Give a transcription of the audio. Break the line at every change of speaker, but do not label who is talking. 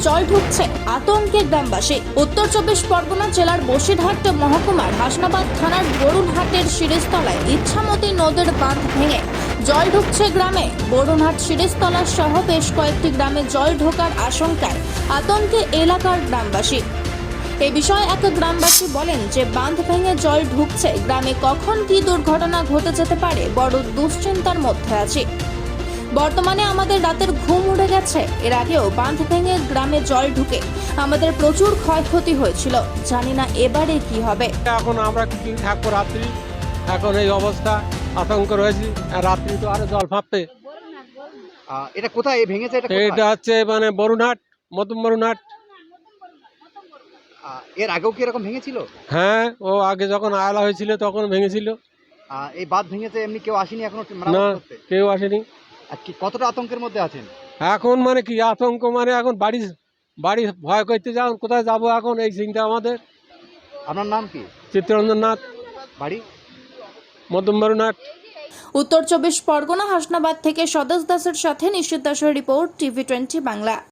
জল ঢুকছে, আতঙ্কে গ্রামবাসী। উত্তর 24 পরগনা জেলার বসিরহাট মহকুমার হাসনাবাদ থানার বরুণহাটের শিরিষতলায় ইচ্ছামতি নদের বাঁধ ভেঙে জল ঢুকছে গ্রামে। বরুণহাট শিরিষতলা সহ বেশ কয়েকটি গ্রামে জল ঢোকার আশঙ্কায় আতঙ্কে এলাকার গ্রামবাসী। এ বিষয়ে এক গ্রামবাসী বলেন যে বাঁধ ভেঙে জল ঢুকছে, গ্রামে কখন কী দুর্ঘটনা ঘটে যেতে পারে বড় দুশ্চিন্তার মধ্যে আছে। বর্তমানে আমাদের রাতের ঘুম উড়ে গেছে। এর আগেও বাঁধ ভেঙে গ্রামে জল ঢুকে আমাদের প্রচুর ক্ষয়ক্ষতি হয়েছিল, জানি না এবারে কি হবে।
এখন আমরা কি থাকবো রাত্রি, এখন এই অবস্থা, আতঙ্ক রয়েছি। আর রাত্রি তো আরো জল ফাঁপবে।
এটা কোথায় ভেঙেছে?
এটা হচ্ছে মানে বরুণহাট, মধ্যম বরুণহাট।
এর আগেও কি এরকম ভেঙেছিল?
হ্যাঁ, ও আগে যখন আয়লা হয়েছিল তখন ভেঙেছিল।
এই বাঁধ ভেঙেছে, এমনি কেউ আসেনি এখনো
না,
মেরামত করতে?
কেউ আসেনি।
আর কি কতটা আতঙ্কের মধ্যে আছেন?
এখন মানে কি আতঙ্ক, মানে এখন বাড়ি ভয় করতে যাও, কোথায় যাব এখন, এই চিন্তা আমাদের।
আপনার নাম কি?
চিত্তরঞ্জন নাথ,
বাড়ি
মধ্যম বরুণহাট।
উত্তর 24 পরগনা হাসনাবাদ থেকে স্বদেশ দাসের সাথে নিশ্চিত দাসের রিপোর্ট, টিভি 20 বাংলা।